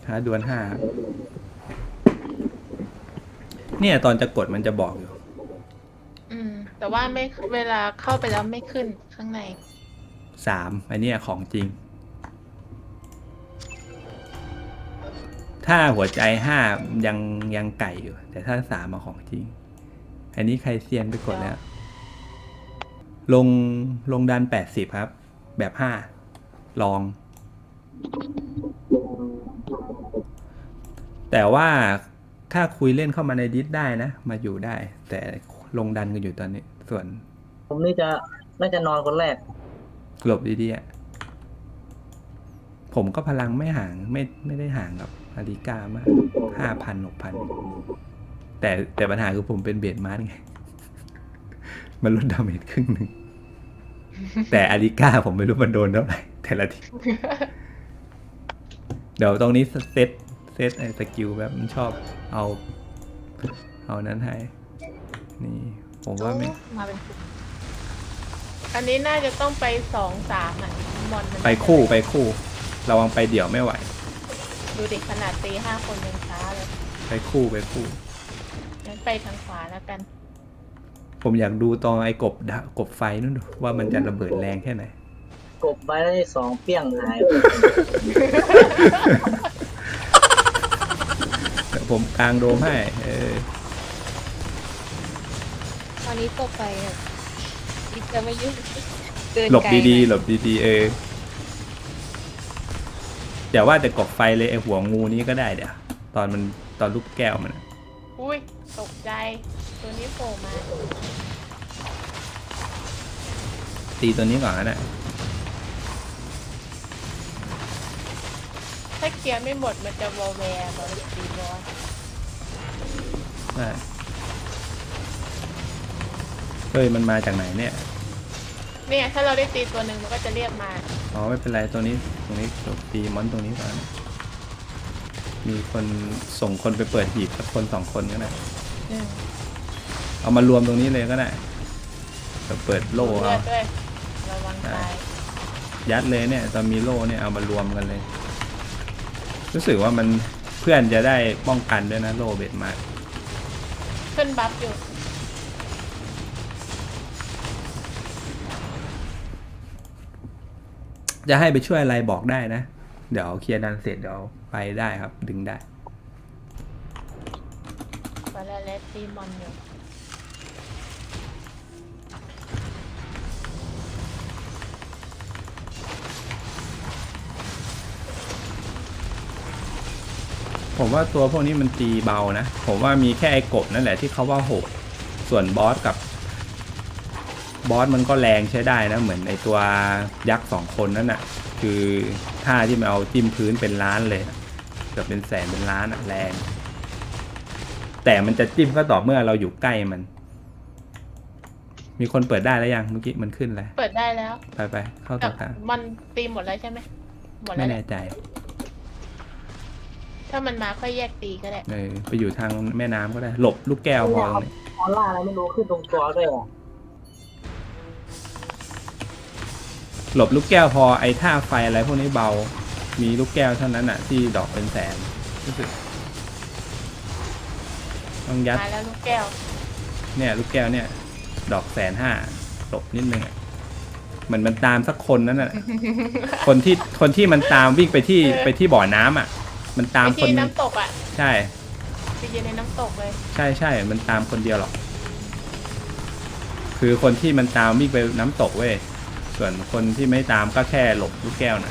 ท้าดวล5เนี่ยตอนจะกดมันจะบอกอยู่แต่ว่าไม่เวลาเข้าไปแล้วไม่ขึ้นข้างใน 3อันนี้ของจริงถ้าหัวใจ5ยังไก่อยู่ แต่ถ้า3มาของจริงอันนี้ใครเซียนไปกดแล้วลงดัน80ครับแบบ5ลองแต่ว่าถ้าคุยเล่นเข้ามาในดิสได้นะมาอยู่ได้แต่ลงดันกันอยู่ตอนนี้ส่วนผมนี่น่าจะนอนคนแรกหลบดีๆอ่ะผมก็พลังไม่ห่างไม่ได้ห่างกับอาริก้ามาก5,000 6,000แต่ปัญหาคือผมเป็นเบสมาร์ไงมันลดดาเมจครึ่งหนึ่งแต่อาริก้าผมไม่รู้มันโดนเท่าไหร่แต่ละทีเดี๋ยวตรงนี้เซตไอ้สกิลแบบมันชอบเอานั้นให้นี่ผมว่าไม่มาเป็นอันนี้น่าจะต้องไป2-3อ่ะมอนมันไปคู่ระวังไปเดี่ยวไม่ไหวดูเด็กขนาดตี5 คนยังช้าเลยไปคู่งั้นไปทางขวาแล้วกันผมอยากดูตอนไอ้กบไฟนู่นดูว่ามันจะระเบิดแรงแค่ไหนกบไว้ได้2เปี้ยงหายผมกลางโดมให้ตอนนี้ตกไปอีกจะไม่ยุ่งหลบดีอย่าว่าแต่กบไฟเลยไอ้หัวงูนี้ก็ได้เดี๋ยวตอนลูกแก้วมันอุ้ยตกใจตัวนี้โผล่มาตีตัวนี้ก่อนนะถ้าเคลียร์ไม่หมดมันจะวอลแวร์ตอนตีบอสเฮ้ยมันมาจากไหนเนี่ยถ้าเราได้ตีตัวหนึ่งมันก็จะเรียกมาอ๋อไม่เป็นไรตรงนี้ตีมอนตรงนี้ก่อนมีคนส่งคนไปเปิดหีบสักคน2 คนก็ได้เอามารวมตรงนี้เลยก็ได้เปิดโล่เอาระวังตายยัดเลยเนี่ยตอนมีโล่เนี่ยเอามารวมกันเลยรู้สึกว่ามันเพื่อนจะได้ป้องกันด้วยนะโล่เบ็ดมากขึ้นบัฟอยู่จะให้ไปช่วยอะไรบอกได้นะเดี๋ยวเคลียร์ดันเสร็จเดี๋ยวไปได้ครับดึงได้ไปแล้วเลสตีมอนอยู่ผมว่าตัวพวกนี้มันตีเบานะผมว่ามีแค่ไอ้กบนั่นแหละที่เขาว่าโหดส่วนบอสมันก็แรงใช้ได้นะเหมือนไอ้ตัวยักษ์2 คนนั่นน่ะคือท่าที่มันเอาจิ้มพื้นเป็นล้านเลยเกือบเป็นแสนเป็นล้านอ่ะแรงแต่มันจะจิ้มก็ต่อเมื่อเราอยู่ใกล้มันมีคนเปิดได้แล้วยังเมื่อกี้มันขึ้นแล้วเปิดได้แล้วไปเข้าต่อทางมันตีหมดแล้วใช่ไหมหมดแล้วไม่แน่ใจถ้ามันมาค่อยแยกตีก็ได้ไปอยู่ทางแม่น้ำก็ได้หลบลูกแก้วพอเลยออร่าอะไรไม่รู้ขึ้นตรงตัวด้วยหลบลูกแก้วพอไอ้ท่าไฟอะไรพวกนี้เบามีลูกแก้วเท่านั้นอ่ะที่ดอกเป็นแสนรู้สึกต้องยัดมาแล้วลูกแก้วเนี่ยลูกแก้วเนี่ยดอก150,000หลบนิดนึงเหมือนมันตามสักคนนั้นน่ะคนที่มันตามวิ่งไปที่บ่อน้ำอ่ะมันตามคนน้ำตกอ่ะใช่ไปยืนในน้ำตกเลยใช่มันตามคนเดียวหรอกคือคนที่มันตามวิ่งไปน้ำตกเว้ยส่วนคนที่ไม่ตามก็แค่หลบลูกแก้วนะ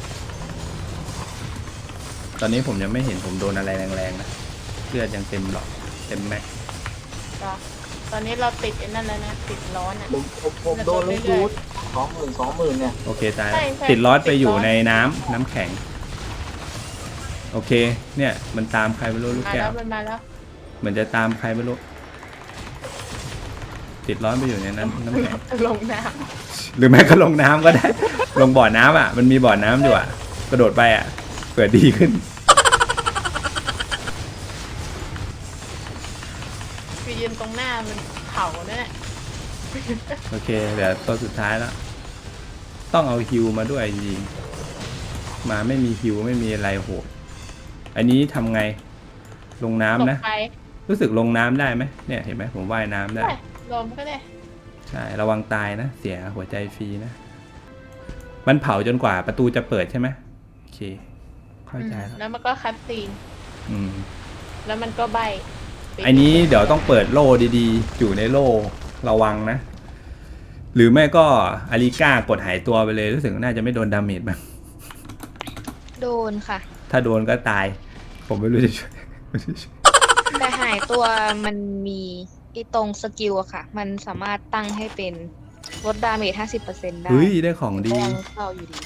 ตอนนี้ผมยังไม่เห็นผมโดนอะไรแรงๆนะเลือดยังเต็มหลอดเต็มแม็กตอนนี้เราติดไอ้นั่นแล้วนะติดร้อนอ่ะผมโดนลูกยูด20,000เนี่ยโอเคตายติดร้อนไปอยู่ในน้ำแข็งโอเคเนี่ยมันตามใครไม่รู้ลูกแก้วมันมาแล้วเหมือนจะตามใครไม่รู้ติดร้อนไปอยู่ในน้ำแข็งลงน้ำหรือแม้ก็ลงน้ำก็ได้ลงบ่อน้ำอ่ะมันมีบ่อน้ำอยู่อ่ะกระโดดไปอ่ะเผื่อดีขึ้นไปยืนตรงหน้ามันเข่านั่นแหละโอเคเดี๋ยวตัวสุดท้ายแล้วต้องเอาฮิวมาด้วยจริงมาไม่มีฮิวไม่มีอะไรโหดอันนี้ทำไงลงน้ำตกนะไปรู้สึกลงน้ำได้ไหมเนี่ยเห็นไหมผมว่ายน้ำได้ได้ลมก็ได้ใช่ระวังตายนะเสียหัวใจฟรีนะมันเผาจนกว่าประตูจะเปิดใช่ไหมโอเคเข้าใจแล้วแล้วมันก็คัดซีนอืมแล้วมันก็ใบอันนี้เดี๋ยวต้องเปิดโล่ดีๆ อยู่ในโล่ระวังนะ หรือไม่ก็อาริก้ากดหายตัวไปเลยรู้สึกน่าจะไม่โดนดาเมจบ้างโดนค่ะถ้าโดนก็ตาย ผมไม่รู้จะช่วยแต่หายตัวมันมีไอ้ตรงสกิลอะค่ะ มันสามารถตั้งให้เป็นลดดาเมจ 50% ได้เฮ้ยได้ของดีก็ยังเข้าอยู่ดี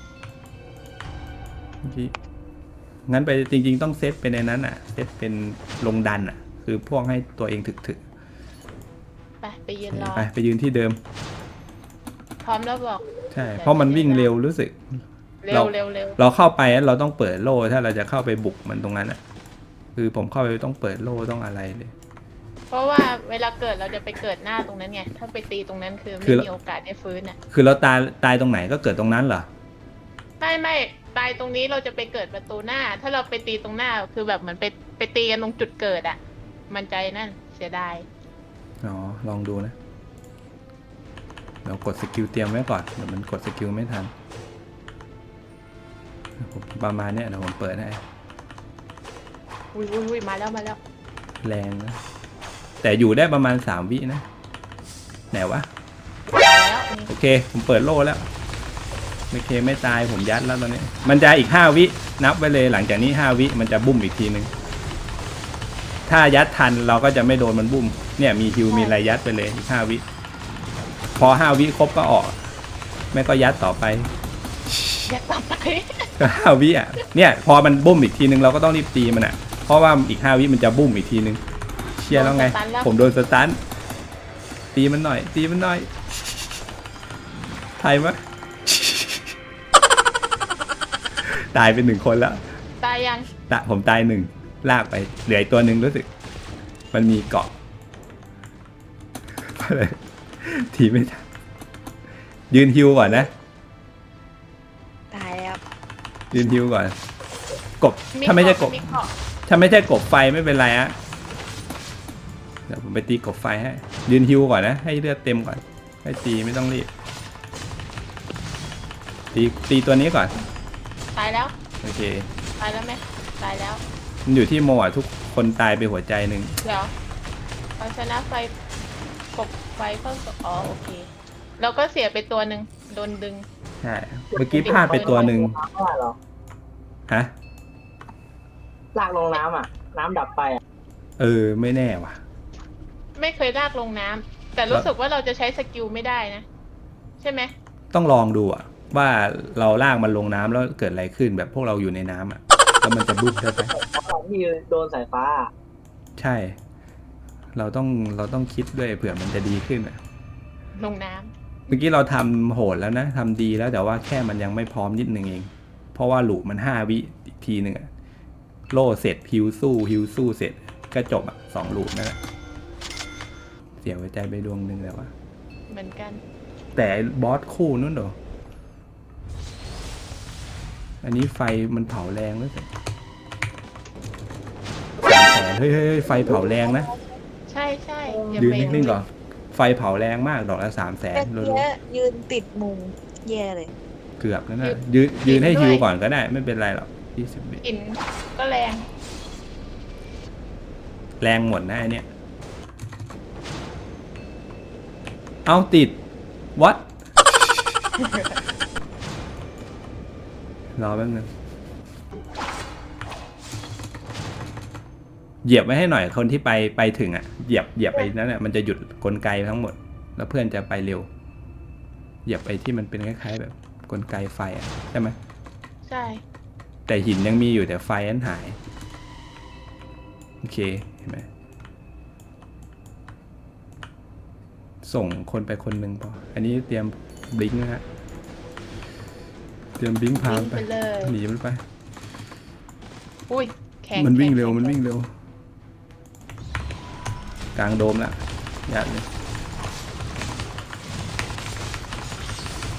เมื่อกี้งั้นไปจริงๆต้องเซตเป็นในนั้นอ่ะเซตเป็นลงดันอ่ะ คือพวกให้ตัวเองถึกไปยืนรอๆไปยืนที่เดิมพร้อมแล้วบอกใช่เพราะมันวิ่งเร็วรู้สึกเร็เราวเร็วเร็วเราเข้าไปเราต้องเปิดโล่ถ้าเราจะเข้าไปบุกมันตรงนั้นอ่ะ คือผมเข้าไปต้องเปิดโล่ต้องอะไรเลยเพราะว่าเวลาเกิดเราจะไปเกิดหน้าตรงนั้นไง ถ้าไปตีตรงนั้นคือคืไม่อมีโอกาสได้ฟื้นอ่ะคือเราตายตรงไหนก็เกิดตรงนั้นเหรอไม่ตายตรงนี้เราจะไปเกิดประตูหน้า ถ้าเราไปตีตรงหน้าคือแบบเหมือนไปตีกันตรงจุดเกิดอ่ะ มันใจนั่นเสียดายอ๋อลองดูนะเรากดสกิลเตรียมไว้ก่อนเดี๋ยวมันกดสกิลไม่ทันผมประมาณเนี้ยเดี๋ยวผมเปิดให้อุ้ยมาแล้วแรงนะแต่อยู่ได้ประมาณ3 วินะไหนวะแล้วโอเคผมเปิดโล่แล้วโอเคไม่ตายผมยัดแล้วตอนนี้ มันจะอีก5 วินับไว้เลยหลังจากนี้5 วิมันจะบุ้มอีกทีนึงถ้ายัดทันเราก็จะไม่โดนมันบุ้มเนี่ยมีฮิวมีอะไรยัดไปเลยอีก5 วิพอ5 วิครบก็ออกไม่ก็ยัดต่อไปแยกต่อไปก็5 วิอ่ะเนี่ยพอมันบุ้มอีกทีนึงเราก็ต้องรีบตีมันอ่ะเพราะว่าอีก5 วิมันจะบุ้มอีกทีนึงเชียร์แล้วไง ผมโดนสตันตีมันหน่อยไทยมะ ตายเป็น1 คนแล้วตายยังผมตาย1ลากไปเหลืออีกตัวหนึ่งรู้สึก มันมีเกาะ ทีไม่ทันยืนฮิวก่อนนะตายแล้วยืนฮิวก่อน กบถ้าไม่ใช่กบมีเกาะถ้าไม่ใช่กบไฟไม่เป็นไรอะเดี๋ยวผมไปตีกบไฟให้ยืนฮิวก่อนนะให้เลือดเต็มก่อนให้ตีไม่ต้องรีบตีตัวนี้ก่อนตายแล้วโอเคตายแล้วไหมตายแล้วมันอยู่ที่โมอ่ะทุกคนตายไปหัวใจหนึ่งเดี๋ยวเอาชนะไฟกบไฟเพิ่มอ๋อโอเค เราก็เสียไปตัวหนึ่งโดนดึงใช่เมื่อกี้พลาดไปตัวหนึ่งน้ำว่าเหรอฮะลากลงน้ำอ่ะ น้ำดับไปอ่ะไม่แน่ว่ะไม่เคยลากลงน้ำแต่รู้สึกว่าเราจะใช้สกิลไม่ได้นะ ใช่ไหมต้องลองดูอ่ะว่าเราลากมันลงน้ำแล้วเกิดอะไรขึ้นแบบพวกเราอยู่ในน้ำอ่ะแล้วมันจะบุ๊บได้ไหมตอนที่โดนสายฟ้าอะใช่ เราต้องคิดด้วยเผื่อมันจะดีขึ้นอ่ะลงน้ำเมื่อกี้เราทำโหดแล้วนะทำดีแล้วแต่ว่าแค่มันยังไม่พร้อมนิดนึงเอง เพราะว่าหลูมัน5 วิอีกทีหนึ่งอะโล่เสร็จฮิวสู้เสร็จก็จบอ่ะ2 หลูนั่นแหละเสียหัวใจไปดวงหนึ่งแล้วว่าเหมือนกันแต่บอสคู่นู้นเหรออันนี้ไฟมันเผาแรงแล้วสิเฮ้ยไฟเผาแรงนะใช่อย่ายืนไปนิ่งๆก่อนไฟเผาแรงมากดอกละ300,000 แต่รัเนี้วยยืนติดมุมแย่เลยๆเกือบแล้วนะยืนให้ฮิวก่อนก็ได้ไม่เป็นไรหรอก20 วิกลิ่นก็แรงแรงหมดนะไอเนี้ยเอาติด what รอแป๊บนึงเหยียบไว้ให้หน่อยคนที่ไปถึงอ่ะเหยียบไปนั่นแหละมันจะหยุดกลไกทั้งหมด แล้วเพื่อนจะไปเร็วเหยียบไปที่มันเป็นคล้ายๆแบบกลไกไฟอ่ะใช่ไหมใช่แต่หินยังมีอยู่แต่ไฟนั้นหายโอเคเห็นไหมส่งคนไปคนหนึ่งพออันนี้เตรียมบลิงก์นะฮะเตรียมบลิงก์พาวิ่งไปไปเลยหนีมันไปอุ้ยแข็งมันวิ่งเร็วแข็มันวิ่งเร็ว กลางโดมละยัดเลย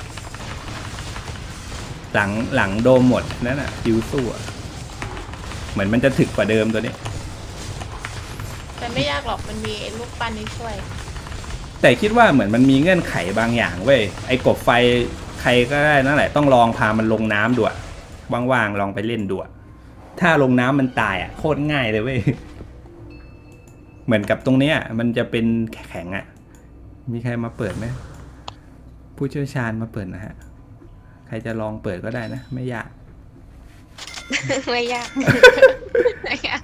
หลังโดมหมดนั่นน่ะฮิวสู้อ่ะเหมือนมันจะถึกกว่าเดิมตัวนี้แต่ไม่ยากหรอกมันมีไอ้ลูกปั้นนี้ช่วยแต่คิดว่าเหมือนมันมีเงื่อนไขบางอย่างเว้ยไอ้กบไฟใครก็ได้นั่นแหละต้องลองพามันลงน้ำดูอะว่างๆลองไปเล่นดูอะถ้าลงน้ำมันตายอะโคตรง่ายเลยเว้ยเหมือนกับตรงเนี้ยมันจะเป็นแข็งอะมีใครมาเปิดไหมผู้เชี่ยวชาญมาเปิดนะฮะใครจะลองเปิดก็ได้นะไม่ยากไม่ยากไม่ยาก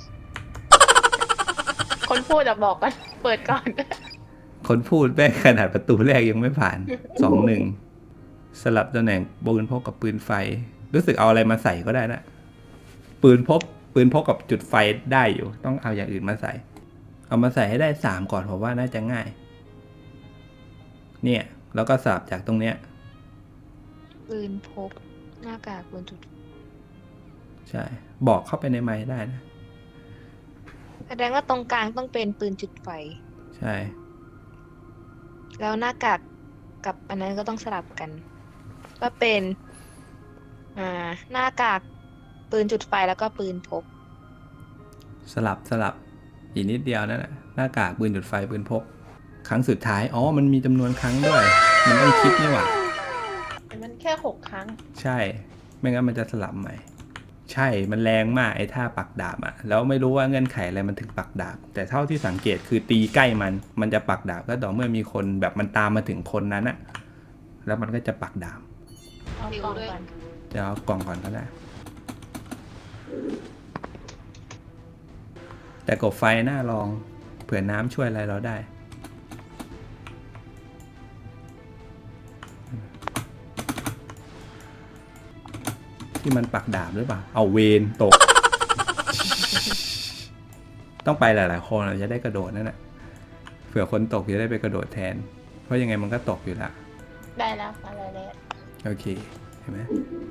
คนพูดอะบอกกันเปิดก่อนคนพูดแม่งขนาดประตูแรกยังไม่ผ่าน 2-1 สลับตำแหน่งปืนพกกับปืนไฟ รู้สึกเอาอะไรมาใส่ก็ได้นะปืนพกกับจุดไฟได้อยู่ ต้องเอาอย่างอื่นมาใส่ เอามาใส่ให้ได้3ก่อนผมว่าน่าจะง่าย เนี่ยแล้วก็สลับจากตรงเนี้ยปืนพกหน้ากากบนจุดใช่ บอกเข้าไปในไมค์ได้นะแสดงว่าตรงกลางต้องเป็นปืนจุดไฟใช่แล้วหน้ากากกับอันนั้นก็ต้องสลับกัน ก็เป็นหน้ากากปืนจุดไฟแล้วก็ปืนพกสลับอีกนิดเดียวนั่นแหละหน้ากากปืนจุดไฟปืนพก ครั้งสุดท้ายอ๋อมันมีจำนวนครั้งด้วย มันต้องคิดนี่หว่าแต่มันแค่6 ครั้งใช่ ไม่งั้นมันจะสลับใหม่ ใช่ มันแรงมากไอ้ท่าปักดาบอะแล้วไม่รู้ว่าเงื่อนไขอะไรมันถึงปักดาบ แต่เท่าที่สังเกตคือตีใกล้มันจะปักดาบก็ต่อเมื่อมีคนแบบมันตามมาถึงคนนั้นอะแล้วมันก็จะปักดาบเอากล่องก่อนจะเอากล่องก่อนก็ได้ แต่กบไฟน่าลองเผื่อน้ำช่วยอะไรเราได้ ที่มันปักดาบหรือเปล่า เอาเวนตก ต้องไปหลายๆคนเราจะได้กระโดดนั่นแหละเผื่อคนตกจะได้ไปกระโดดแทน เพราะยังไงมันก็ตกอยู่ละได้แล้วอะไรแล้วโอเค เห็นไหม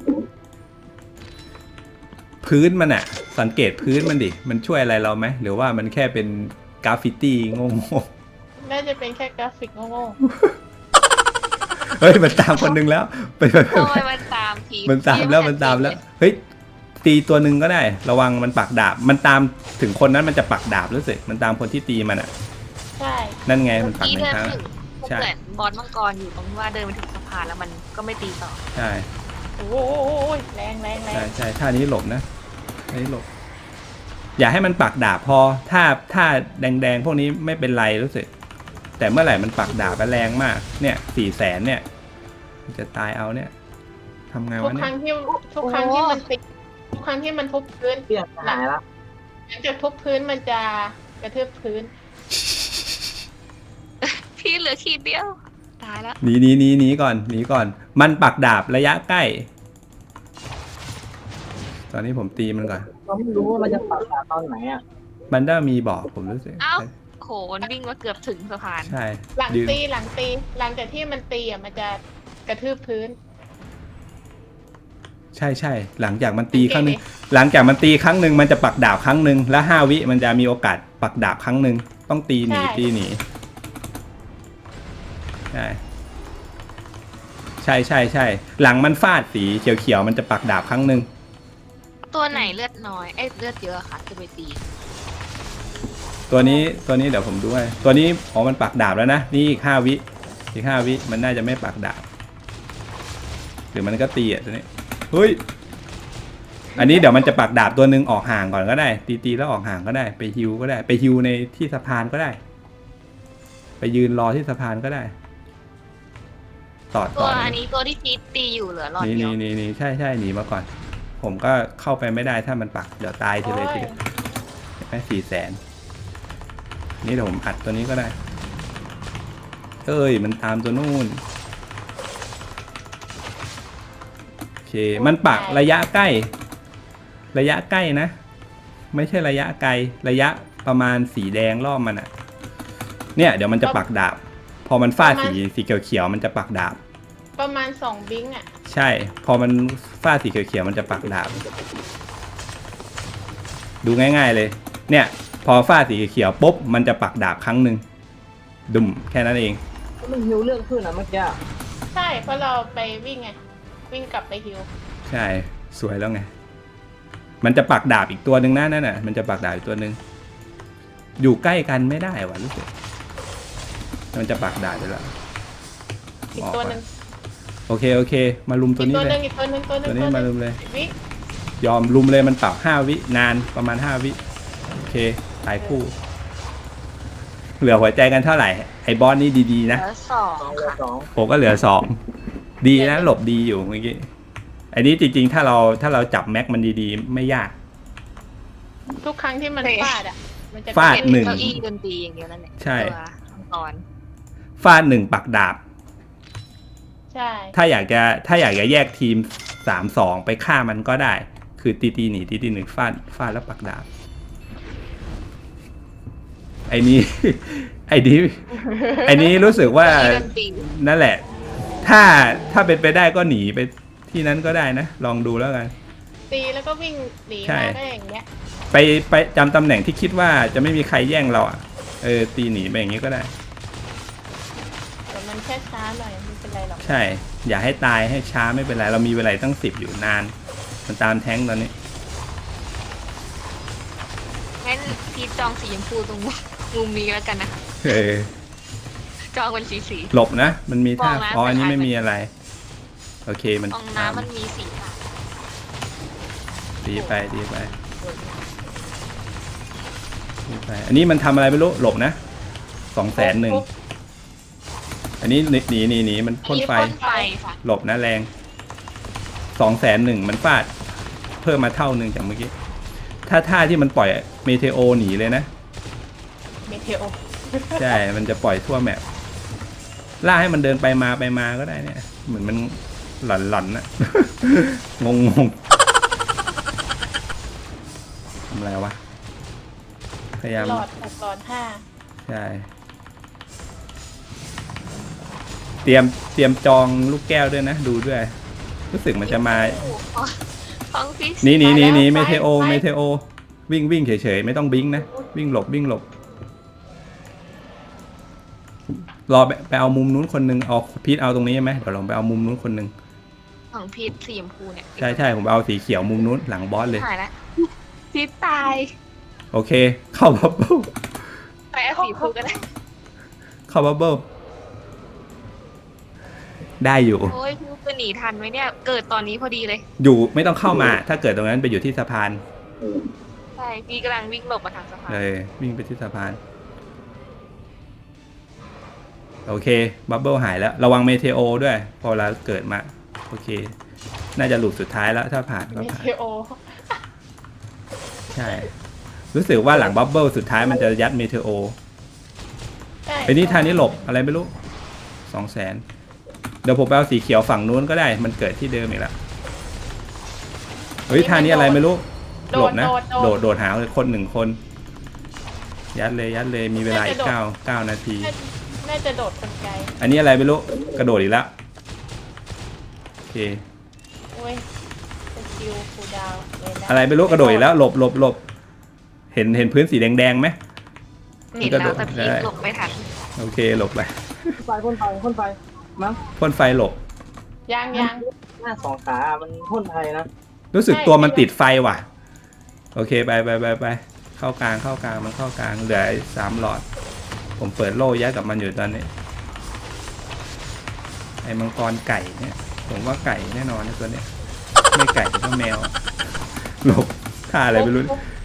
พื้นมันอะสังเกตพื้นมันดิ มันช่วยอะไรเราไหมหรือว่ามันแค่เป็นกราฟฟิตี้โง่ๆน่าจะเป็นแค่กราฟิกโง่เฮ้ยมันตามคนนึงแล้วไปโอ้ยมันตามทีมันตามแล้วเฮ้ยตีตัวหนึ่งก็ได้ ระวังมันปักดาบ มันตามถึงคนนั้นมันจะปักดาบรู้สึกมันตามคนที่ตีมันอ่ะๆใช่นั่นไงมันปักทีหนึ่เดิงนครั้งถึงใช่เหมือนบอสมังกรอยู่ตรงว่าเดินมาถึงสะพานแล้วมันก็ไม่ตีต่อใช่โอ้ยแรงแรงแรใช่งใช่ท่านี้หลบนะท่านี้หลบ อย่าให้มันปักดาบพอถ้าแดงๆพวกนี้ไม่เป็นไรรู้สึกแต่เมื่อไหร่มันปักดาบแรงมากเนี่ย400,000เนี่ยมันจะตายเอาเนี่ยทำไงทุวะกเนี่ครั้ยงที่มันติดทุกครั้งที่มันทุบพื้นเปลี่ยนหายแล้วหลังจากทุบพื้นมันจะกระทืบพื้นพี่เหลือขีดเดียว ตายแล้วหนีก่อนมันปักดาบระยะใกล้ ตอนนี้ผมตีมันก่อนเราไม่รู้ว่ามันจะปักดาบตอนไหนอ่ะมันได้มีบอกผมรู้สึกเอ้า โหนวิ่งมาเกือบถึงสะพานใช่หลังยืนตีหลังจากที่มันตีอ่ะมันจะกระทืบพื้นใช่หลังจากมันตีครั้งหนึ่งหลังจากมันตีครั้งหนึ่งมันจะปักดาบครั้งหนึ่งแล้ว5 วิมันจะมีโอกาสปักดาบครั้งหนึ่งต้องตีหนีใช่หลังมันฟาดสีเขียวๆมันจะปักดาบครั้งหนึ่งตัวไหนเลือดน้อย เลือดเยอะค่ะจะไปตีตัวนี้เดี๋ยวผมดูให้ตัวนี้อ๋อมันปักดาบแล้วนะนี่อีก5 วิมันน่าจะไม่ปักดาบหรือมันก็ตีอ่ะตัวนี้เฮ้ยอันนี้เดี๋ยวมันจะปักดาบตัวหนึ่งออกห่างก่อนก็ได้ตีแล้วออกห่างก็ได้ไปฮิวก็ได้ไปฮิวในที่สะพานก็ได้ ไปยืนรอที่สะพานก็ได้ต่อตัวอันนี้ตัวที่ตีอยู่เหลือหลอดเดียวนี่ใช่หนีมาก่อน ผมก็เข้าไปไม่ได้ถ้ามันปักเดี๋ยวตายทีเลยทีเดียวแค่400,000นี่เดี๋ยวผมอัดตัวนี้ก็ได้เอ้ยมันตามตัวนู่นโอเคมันปักระยะใกล้นะ ไม่ใช่ระยะไกลระยะประมาณสีแดงรอบมันอะเนี่ยเดี๋ยวมันจะปักดาบ พอมันฟาดสีเขียวมันจะปักดาบประมาณ2 บิงอ่ะใช่ พอมันฟาดสีเขียวมันจะปักดาบ ดูง่ายๆเลย เนี่ย พอฟาดสีเขียวปุ๊บมันจะปักดาบครั้งหนึ่งดุมแค่นั้นเองมันหิวเรื่องขึ้นอ่ะเมื่อกี้ใช่เพราะเราไปวิ่งไงวิ่งกลับไปฮิวใช่สวยแล้วไงมันจะปักดาบอีกตัวหนึ่งนะนั่นน่ะมันจะปักดาบอีกตัวหนึ่งอยู่ใกล้กันไม่ได้วะรู้สึกมันจะปักดาบไปแล้วอีกตัวหนึ่งโอเคมาลุมตัวนี้เลยอีกตัวหนึ่งตัวนี้มาลุมเลยวิยอมลุมเลยมันปรับ5 วินานประมาณ5 วิโอเคตายคู่เหลือหัวใจกันเท่าไหร่ไอ้บอสนี่ดีๆนะแล้วสองเหลือค่ะสองผมก็เหลือ2ดีนะหลบดีอยู่เมื่อกี้อันนี้จริงๆถ้าเราจับแม็กมันดีๆไม่ยากทุกครั้งที่มันฟาดอ่ะมันจะฟาดเป็นหนึ่งเก้าอี้ดนตรีอย่างเดียวนั่นแหละใช่ตัวมังกรฟาด1ปักดาบใช่ถ้าอยากจะแยกทีม3-2ไปฆ่ามันก็ได้ คือตีหนีตีหนึ่งฟาดแล้วปักดาบไอ้นี้ ไอ้นี้รู้สึกว่าเก้าอี้ดนตรีนั่นแหละ ถ้าเป็นไปได้ก็หนีไปที่นั้นก็ได้นะ ลองดูแล้วกันตีแล้วก็วิ่งหนีใช่มาได้อย่างเงี้ยไปจำตำแหน่งที่คิดว่าจะไม่มีใครแย่งเราอ่ะตีหนีไปอย่างนี้ก็ได้แต่มันแค่ช้าหน่อยไม่เป็นไรหรอกใช่ อย่าให้ตายให้ช้าไม่เป็นไร เรามีเวลาตั้ง10อยู่นาน มันตามแท้งตอนนี้งั้นพีทจองสีชมพูตรงมุมนี้แล้วกันนะคะเออจองเป็นสีหลบนะ มันมีท่ามองนะอ๋ออันนี้แต่ไม่มีอะไร โอเคมันตรงน้ำมันมีสีค่ะดีไป อันนี้มันทำอะไรไม่รู้ หลบนะ200,001อันนี้หนีมันพ่นไฟพ่นไฟค่ะหลบนะแรง201,000มันฟาด เพิ่มมาเท่านึงจากเมื่อกี้ ถ้าท่าที่มันปล่อยเมเทโอหนีเลยนะเมเทโอใช่ มันจะปล่อยทั่วแมปล่าให้มันเดินไปมาก็ได้เนี่ย เหมือนมันหลอนๆนะ งงทำอะไรวะ พยายามหลอด5 ใช่ เตรียมจองลูกแก้วด้วยนะ ดูด้วย รู้สึกมันจะมาของพีทหนีมาแล้วเมไปเทโอไปเมเทโอวิ่งเฉยๆไม่ต้องบิงนะวิ่งหลบรอไปเอามุมนู้นคนนึงเอาพีทเอาตรงนี้ใช่ไหมเดี๋ยวลองไปเอามุมนู้นคนนึงของพีทสีชมพูเนี่ยใช่ผมเอาสีเขียวมุมนู้นหลังบอสเลยหายแล้วพีทตายโอเค เข้าบับเบิ้ลไปเอาสีชมพูก็ได้เข้าบับเบิ้ลได้อยู่โอ้ยพีทจะหนีทันไหมเนี่ย เกิดตอนนี้พอดีเลยอยู่ไม่ต้องเข้ามา ถ้าเกิดตรงนั้นไปอยู่ที่สะพานใช่พีทกำลังวิ่งหลบมาทางสะพานเลยวิ่งไปที่สะพานโอเคบับเบิ้ลหายแล้วระวังเมเทโอด้วย พอเราเกิดมาโอเค น่าจะหลุดสุดท้ายแล้วถ้าผ่านก็เมผ่านเทโอใช่ รู้สึกว่าหลังบับเบิ้ลสุดท้ายมันจะยัดเมเทโอใช่ไอ้นี่ทางนี้หลบอะไรไม่รู้200,000เดี๋ยวผมไปเอาสีเขียวฝั่งนู้นก็ได้มันเกิดที่เดิมอีกแล้วเฮ้ยทางนี้อะไรไม่รู้หลบนะโดดหาคน1 คนยัดเลยมีเวลาอีก9 นาทีน่าจะโดดคนไกลอันนี้อะไรไม่รู้กระโดดอีกแล้วโอเคโอ้ยสกิลคูลดาวน์เลยนะอะไรไม่รู้กระโดดอีกแล้วหลบเห็นพื้นสีแดงๆไหมเห็นแล้วแต่พีทหลบไม่ทันโอเคหลบไปพ่นไฟมั้งพ่นไฟหลบยังหน้า2 ขามันพ่นไฟนะรู้สึกตัวมันติดไฟว่ะ โอเคไปเข้ากลางมันเข้ากลางเหลือ3 หลอด ผมเปิดโล่ยัดกับมันอยู่ตอนนี้ไอ้มังกรไก่เนี่ยผมว่าไก่แน่นอนนะตัวเนี้ยไม่ไก่ก็แมวหลบท่าอะไรไม่รู้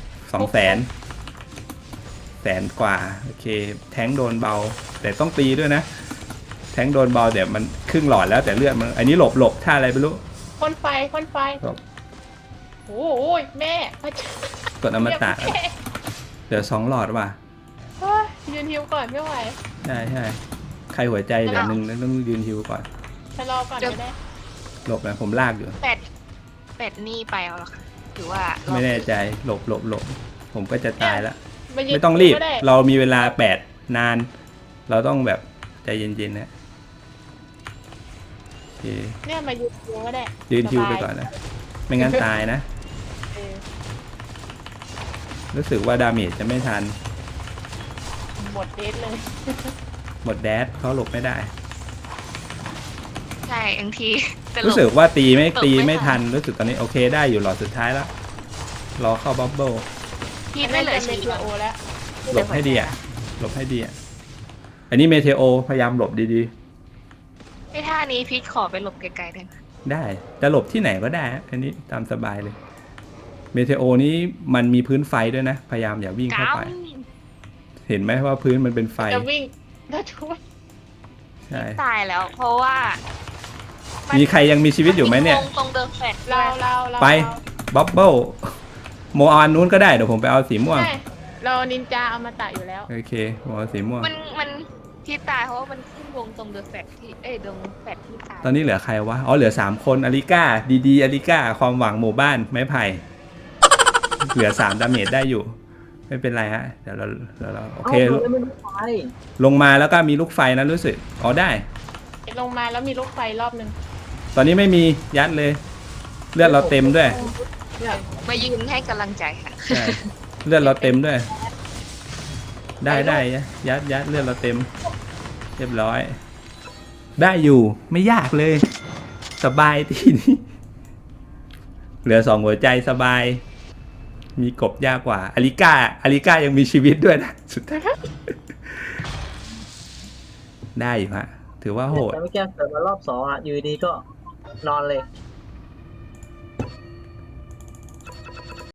200,000กว่าโอเคแทงค์โดนเบา แต่ต้องตีด้วยนะ แทงค์โดนเบาเดี๋ยวมันครึ่งหลอดแล้วแต่เลือดมันอันนี้หลบท่าอะไรไม่รู้พ่นไฟหลบโอ้ยแม่พระเจ้ากดอมตะเดี๋ยว2 หลอดว่ะเฮ้ยยืนฮิวก่อนไม่ไหวใช่ใครหัวใจเหลือ1แล้วต้องยืนฮิวก่อนชะลอก่อนก็ได้หลบนะผมลากอยู่เป็ดนี่ไปเอาหรอคะหรือว่าไม่แน่ใจหลบผมก็จะตายแล้วายืนไม่ต้องรีบก็ได้เรามีเวลา8 นาน เราต้องแบบใจเย็นๆนะโอเคเนี่ยมายืนฮิวก็ได้ยืนฮิวไปสบายก่อนนะ ไม่งั้นตายนะเออรู้สึกว่าดาเมจจะไม่ทันหมดเดทเลยหมดแดดเขาหลบไม่ได้ใช่บางทีแต่หลรู้บสึกว่าตีไม่หลบไม่ทันทัน รู้สึกตอนนี้โอเคได้อยู่หลอดสุดท้ายแล้วรอเข้าบับเบิ้ลพี่ไม่เหลือเมชีวิเทตโอแล้วหลบให้ดีอ่ะหลบให้ดีอ่ะอันนี้เมเทโอพยายามหลบดีไอ้ท่านี้พีทขอไปหลบไกลๆได้ไหมๆได้จะหลบที่ไหนก็ได้ฮะอันนี้ตามสบายเลยเมเทโอนี้มันมีพื้นไฟด้วยนะพยายามอย่าวิ่งเข้าไป เห็นไหมว่าพื้นมันเป็นไฟจะวิ่งแล้วช่วยใช่ตายแล้ว เพราะว่ามีมีใครยังมีชีวิตอยู่ไหมเนี่ยตรงเดิมแฟลตเราไปบับเบิ้ลโมเอาอันนู้นก็ได้เดี๋ยวผมไปเอาสีม่วงใช่เรานินจาเอามาตะอยู่แล้วโอเคผมเอาสีม่วงมันที่ตายเพราะว่ามันขึ้นวงตรงเดิมแฟลตที่ตรงแฟลตที่ตายตอนนี้เหลือใครวะ อ๋อ เหลือ3คนอาริก้า ดีๆอาริก้า ความหวังหมู่บ้าน ไม้ไผ่ เหลือ3ดาเมจได้อยู่ ไม่เป็นไรฮะ เดี๋ยวเราโอเคเอ้าไม่รู้ไฟลงมาแล้วก็มีลูกไฟนะรู้สึก อ๋อได้ลงมาแล้วมีลูกไฟรอบนึงตอนนี้ไม่มียัดเลย เลือดเราเต็มด้วยเนี่ยมายืนให้กำลังใจค่ะใช่ เลือดเราเต็มด้วย ได้ยัดเลือดเราเต็ม เรียบร้อย ได้อยู่ ไม่ยากเลย สบายทีนี้ เหลือ2หัวใจสบาย มีกบยากกว่าอาริก้ายังมีชีวิตด้วยนะ สุดท้าย ได้อยู่ฮะ ถือว่าโหดแต่เมื่อกี้เกิดมารอบ2อ่ะอยู่ดีก็นอนเลย